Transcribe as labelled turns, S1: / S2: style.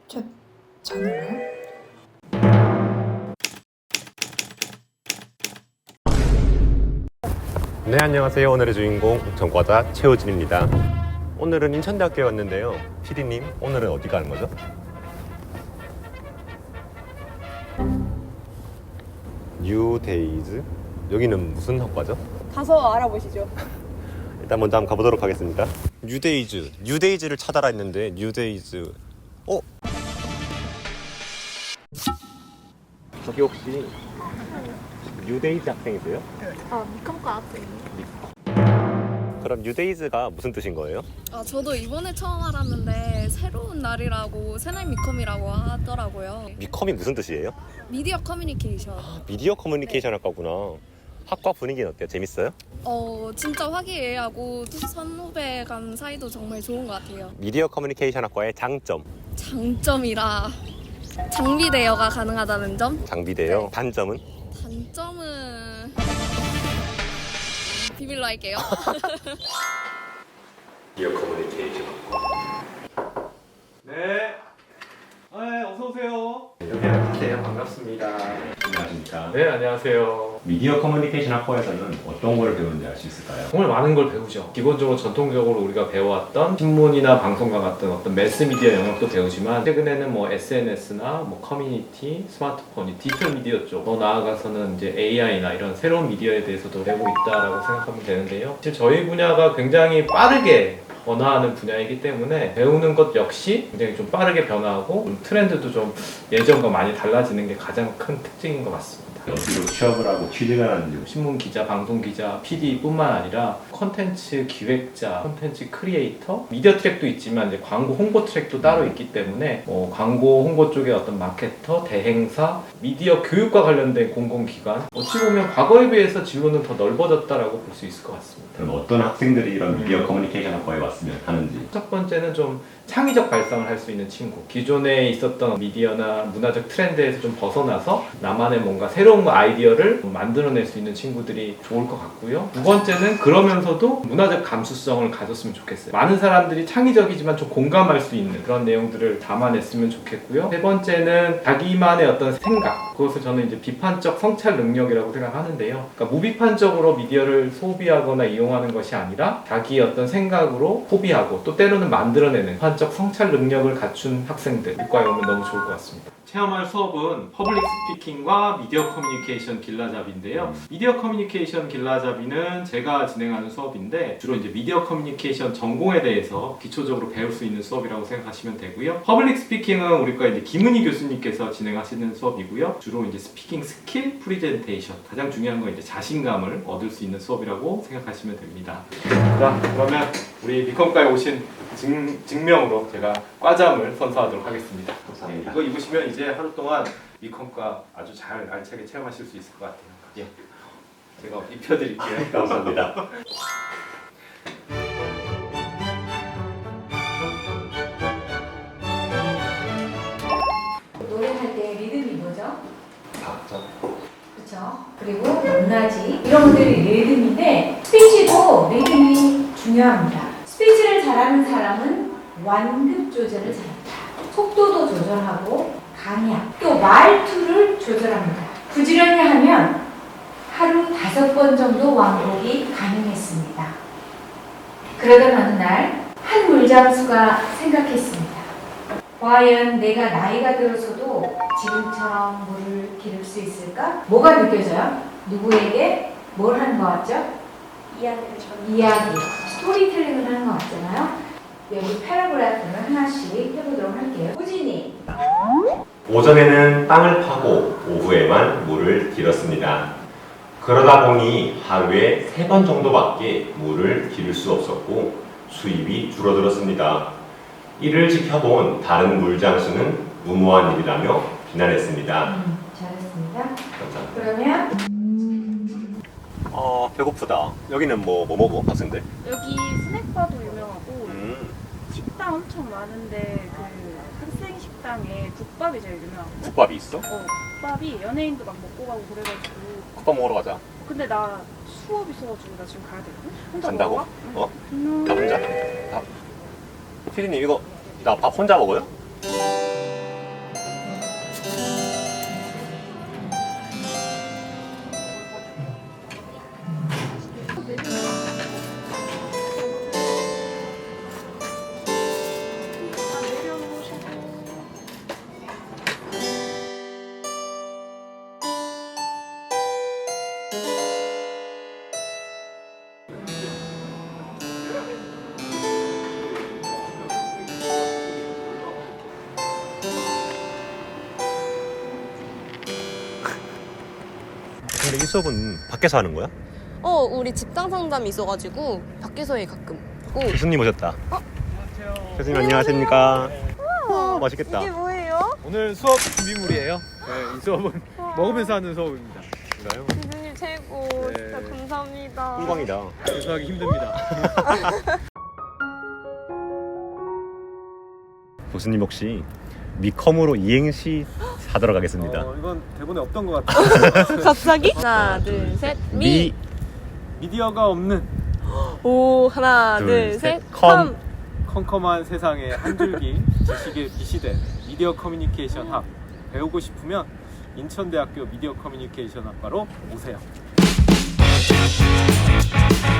S1: 자는가요?
S2: 네, 안녕하세요. 오늘의 주인공 전과자 최호진입니다. 오늘은 인천대학교에 왔는데요. PD님, 오늘은 어디 가는 거죠? 뉴데이즈? 여기는 무슨 학과죠?
S1: 가서 알아보시죠.
S2: 일단 먼저 한번 가보도록 하겠습니다. 뉴데이즈를 찾아라 했는데 뉴데이즈. 저기 혹시 뉴데이즈 학생이세요?
S3: 미컴과 학생이요.
S2: 그럼 뉴데이즈가 무슨 뜻인 거예요?
S3: 저도 이번에 처음 알았는데 새로운 날이라고 새날 미컴이라고 하더라고요.
S2: 미컴이 무슨 뜻이에요?
S3: 미디어 커뮤니케이션.
S2: 미디어 커뮤니케이션 학과구나. 학과 분위기는 어때요? 재밌어요?
S3: 진짜 화기애애하고 선후배 간 사이도 정말 좋은 것 같아요.
S2: 미디어 커뮤니케이션 학과의 장점.
S3: 장점이라 장비 대여가 가능하다는 점.
S2: 장비대요.
S3: 네.
S2: 단점은?
S3: 단점은 비밀로 할게요.
S2: 미디어 커뮤니케이션 학과.
S4: 네. 어서 오세요.
S2: 여기 안녕하세요. 반갑습니다. 안녕하십니까.
S4: 네, 안녕하세요.
S2: 미디어 커뮤니케이션 학과에서는 어떤 걸 배우는지 알 수 있을까요?
S4: 정말 많은 걸 배우죠. 기본적으로 전통적으로 우리가 배워왔던 신문이나 방송과 같은 어떤 매스미디어 영역도 배우지만 최근에는 뭐 SNS나 뭐 커뮤니티, 스마트폰, 디지털 미디어 쪽, 더 나아가서는 이제 AI나 이런 새로운 미디어에 대해서도 배우고 있다라고 생각하면 되는데요. 사실 저희 분야가 굉장히 빠르게 변화하는 분야이기 때문에 배우는 것 역시 굉장히 좀 빠르게 변화하고 트렌드도 좀 예전과 많이 달라지는 게 가장 큰 특징인 것 같습니다.
S2: 어디로 취업을 하고 취직을 하는지.
S4: 신문 기자, 방송 기자, PD뿐만 아니라 콘텐츠 기획자, 콘텐츠 크리에이터, 미디어 트랙도 있지만 이제 광고 홍보 트랙도 따로 있기 때문에 뭐 광고 홍보 쪽의 어떤 마케터, 대행사, 미디어 교육과 관련된 공공기관, 어찌 보면 과거에 비해서 진로는 더 넓어졌다라고 볼 수 있을 것 같습니다.
S2: 그럼 어떤 학생들이 이런 미디어 커뮤니케이션 학과에 왔으면 하는지.
S4: 첫 번째는 좀 창의적 발상을 할 수 있는 친구. 기존에 있었던 미디어나 문화적 트렌드에서 좀 벗어나서 나만의 뭔가 새로운 아이디어를 만들어낼 수 있는 친구들이 좋을 것 같고요. 두 번째는 그러면서도 문화적 감수성을 가졌으면 좋겠어요. 많은 사람들이 창의적이지만 좀 공감할 수 있는 그런 내용들을 담아냈으면 좋겠고요. 세 번째는 자기만의 어떤 생각. 그것을 저는 이제 비판적 성찰 능력이라고 생각하는데요. 그러니까 무비판적으로 미디어를 소비하거나 이용하는 것이 아니라 자기의 어떤 생각으로 소비하고 또 때로는 만들어내는 비판적 성찰 능력을 갖춘 학생들 이과에 오면 너무 좋을 것 같습니다. 체험할 수업은 퍼블릭 스피킹과 미디어 커뮤니케이션 길라잡이인데요. 미디어 커뮤니케이션 길라잡이는 제가 진행하는 수업인데 주로 이제 미디어 커뮤니케이션 전공에 대해서 기초적으로 배울 수 있는 수업이라고 생각하시면 되고요. 퍼블릭 스피킹은 우리과 이제 김은희 교수님께서 진행하시는 수업이고요. 주로 이제 스피킹 스킬, 프리젠테이션 가장 중요한 건 이제 자신감을 얻을 수 있는 수업이라고 생각하시면 됩니다. 자, 그러면 우리 미컴과에 오신 증명으로 제가 과잠을 선사하도록 하겠습니다.
S2: 감사합니다.
S4: 이거 입으시면 이제 하루 동안 미컴과 아주 잘 알차게 체험하실 수 있을 것 같아요. 예, 제가 입혀드릴게요.
S2: 감사합니다.
S5: 노래할 때 리듬이 뭐죠?
S2: 박자.
S5: 그렇죠. 그리고 높낮이 이런 것들이 리듬인데 스피치도 리듬이 중요합니다. 스피치를 잘하는 사람은 완급 조절을 잘한다. 속도도 조절하고 강약, 또 말투를 조절합니다. 부지런히 하면 하루 5번 정도 왕복이 가능했습니다. 그러던 어느 날 한 물장수가 생각했습니다. 과연 내가 나이가 들어서도 지금처럼 물을 기를 수 있을까? 뭐가 느껴져요? 누구에게 뭘 하는 것 같죠? 이야기, 스토리텔링을 하는 것 같잖아요. 여기 패러그래프를 하나씩 해보도록 할게요. 호진이.
S2: 오전에는 땅을 파고 오후에만 물을 길었습니다. 그러다 보니 하루에 3번 정도밖에 물을 기를 수 없었고 수입이 줄어들었습니다. 이를 지켜본 다른 물장수는 무모한 일이라며 비난했습니다.
S5: 잘했습니다.
S2: 감사합니다.
S5: 그러면
S2: 배고프다. 여기는 뭐 먹어, 학생들?
S6: 여기 스낵바도 유명하고 식당 엄청 많은데 그 학생 식당에 국밥이 제일 유명하고
S2: 국밥이 있어?
S6: 국밥이 연예인도 막 먹고 가고 그래가지고
S2: 국밥 먹으러 가자.
S6: 근데 나 수업 있어가지고 나 지금 가야 되거든? 혼자
S2: 간다고?
S6: 먹어봐?
S2: 나 혼자? 피디님 이거 나 밥 혼자 먹어요? 근데 이 수업은 밖에서 하는 거야?
S1: 우리 직장 상담이 있어가지고 밖에서 해 가끔.
S2: 교수님 오셨다. 교수님 안녕하십니까? 맛있겠다.
S1: 이게 뭐예요?
S7: 오늘 수업 준비물이에요. 네, 이 수업은 먹으면서 하는 수업입니다.
S2: 그래요?
S1: 교수님 최고.
S7: 네.
S1: 진짜 감사합니다.
S2: 꿀광이다.
S7: 교수하기 힘듭니다.
S2: 교수님 혹시 미컴으로 이행시 사들어 가겠습니다.
S7: 이건 대본에 없던 것 같아요.
S1: 갑자기? 하나, 둘, 셋.
S7: 미디어가 없는
S1: 오, 하나,
S2: 둘,
S1: 둘,
S2: 셋.
S1: 셋.
S2: 컴.
S7: 컴컴한 세상에 한 줄기 지식의 빛이 된 미디어 커뮤니케이션 학. 배우고 싶으면 인천대학교 미디어 커뮤니케이션 학과로 오세요.